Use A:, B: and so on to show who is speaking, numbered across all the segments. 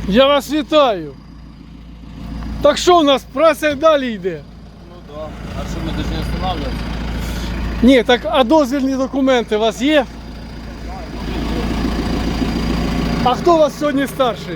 A: Я вас вітаю. Так що у нас, праця й далі йде?
B: Ну да. А що ми повинні останавливатися?
A: Ні, так а дозвільні документи у вас є? А хто у вас сьогодні старший?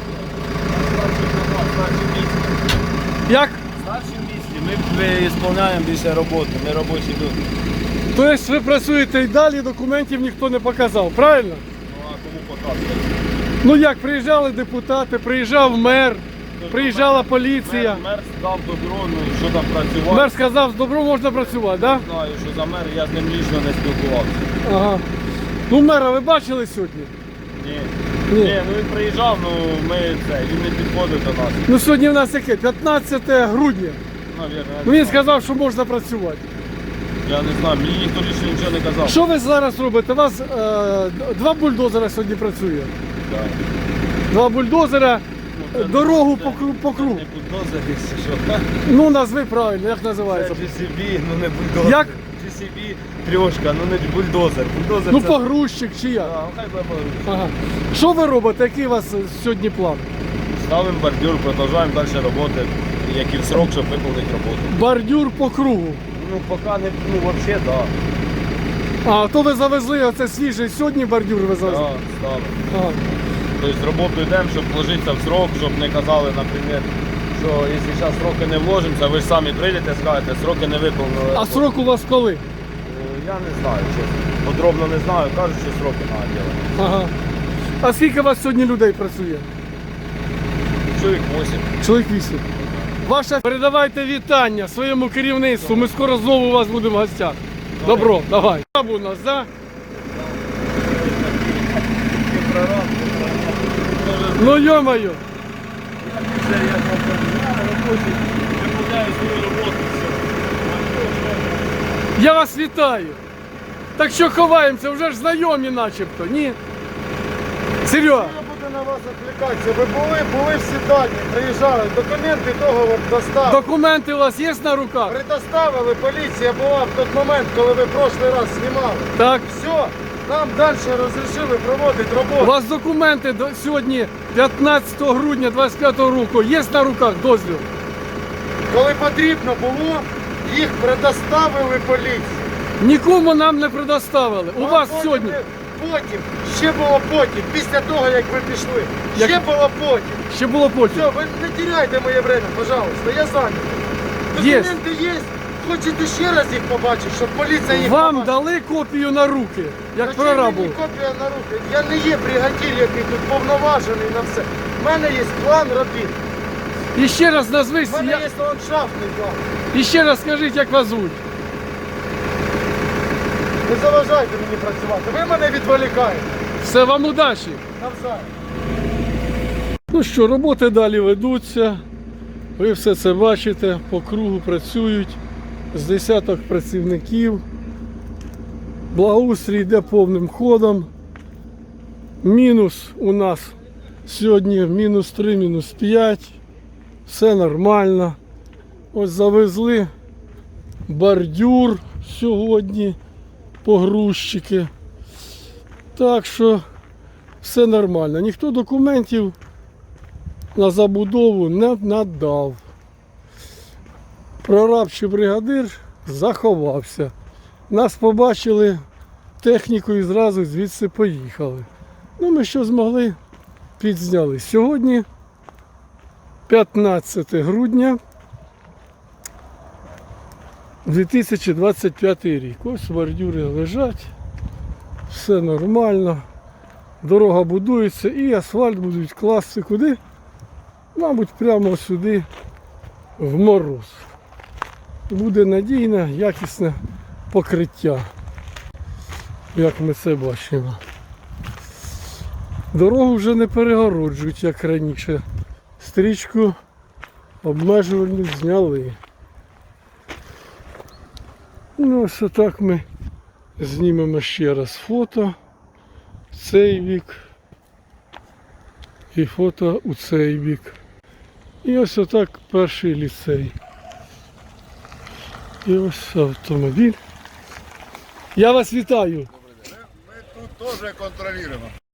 B: Старші місці.
A: Як?
B: Старші місці. Ми виконуємо більше роботи, ми робочі люди.
A: Тобто ви працюєте і далі, документів ніхто не показав, правильно?
B: Ну а кому показувати?
A: Ну як, приїжджали депутати, приїжджав мер, приїжджала поліція.
B: Мер дав добро, ну що там працювати.
A: Мер сказав, з добром можна працювати, так? Да?
B: Знаю, що за мер, я з ним лічно не спілкувався.
A: Ага. Ну мера ви бачили сьогодні?
B: Ні.
A: Ні.
B: Ні, ну він приїжджав, ну він не підходив до нас.
A: Ну сьогодні в нас яке? 15 грудня.
B: Навірно,
A: Ну він сказав, що можна працювати.
B: я не знаю, мені ніхто лічно нічого не казав.
A: Що ви зараз робите? У вас два бульдозера сьогодні працює.
B: Да.
A: Два бульдозера,
B: Ну,
A: дорогу
B: це-
A: по кругу.
B: Це не бульдозер, якщо що.
A: Ну назви правильно, як
B: Це
A: називається?
B: GCB, ну не бульдозер.
A: Як?
B: GCB трьошка, ну не бульдозер. Бульдозер
A: Ну
B: це...
A: погрузчик чи як?
B: Да, хай буде погрузчик.
A: Ага. Що ви робите? Який у вас сьогодні план?
B: Ставимо бордюр, продовжуємо далі роботи, як і в срок, щоб виконати роботу.
A: Бордюр по кругу.
B: Ну поки не, ну взагалі, так.
A: А то ви завезли оце свіжий сьогодні бордюр ви завезли?
B: Да, ставимо.
A: Ага.
B: Тобто роботу йдемо, щоб вложитися в срок, щоб не казали, наприклад, що якщо зараз сроки не вложимося, ви ж самі прийдете, скажете, сроки не виконали.
A: А срок у вас коли?
B: Я не знаю, чесно. Подробно не знаю, кажуть, що сроки треба робити.
A: Ага. А скільки у вас сьогодні людей працює?
B: Чоловік 8.
A: Чоловік 8. Ваша передавайте вітання своєму керівництву. Ми скоро знову у вас будемо в гостях. Добро, давай. У нас, да? Ну йо-моє. Я вас вітаю. Так що ховаємося, вже ж знайомі начебто, ні? Серега.
C: Я буду на вас відвлікатися. Ви були всі дані, приїжджали, документи, договор доставили.
A: Документи у вас є на руках?
C: Предоставили, поліція була в той момент, коли ви прошлий раз знімали.
A: Так.
C: Все, нам далі розрішили проводити
A: У
C: роботу.
A: вас документи сьогодні 15 грудня 25 року є на руках дозвіл?
C: Коли потрібно було, їх предоставили поліції.
A: Нікому нам не предоставили. У вас сьогодні.
C: Потім, ще було потім, після того, як ви пішли.
A: Як-
C: Ще було потім.
A: Ще було потім.
C: Все, ви не теряйте моє время, пожалуйста, я зайнятий.
A: Є.
C: Документи є. Хочете ще раз їх побачити, щоб поліція їх
A: Вам
C: побачила?
A: дали копію на руки, як
C: Зачем
A: прорабу.
C: мені копія на руки? Я не є бригадір, який тут повноважений на все. У мене є план робіт.
A: І ще раз назвись,
C: У мене є ландшафтний план.
A: і ще раз скажіть, як вас звуть.
C: Не заважайте мені працювати. Ви мене відволікаєте.
A: Все, вам удачі.
C: Навзаєм.
A: Ну що, роботи далі ведуться. Ви все це бачите, по кругу працюють з десяток працівників. Благоустрій йде повним ходом. Мінус у нас сьогодні мінус 3, мінус 5. Все нормально. Ось завезли бордюр сьогодні, погрузчики. Так що все нормально. Ніхто документів на забудову не надав. Прораб чи бригадир заховався. Нас побачили техніку і зразу звідси поїхали. Ну ми що змогли, підзняли. Сьогодні 15 грудня 2025 рік. Ось бордюри лежать. Все нормально. Дорога будується і асфальт будуть класти куди? Мабуть, прямо сюди, в мороз. Буде надійне, якісне покриття, як ми це бачимо. Дорогу вже не перегороджують, як раніше. Стрічку обмежувальну зняли. Ну, ось отак ми знімемо ще раз фото в цей бік і фото у цей бік. І ось отак перший ліцей. І ось автомобіль. Я вас вітаю.
D: Мы тут тоже контролируем.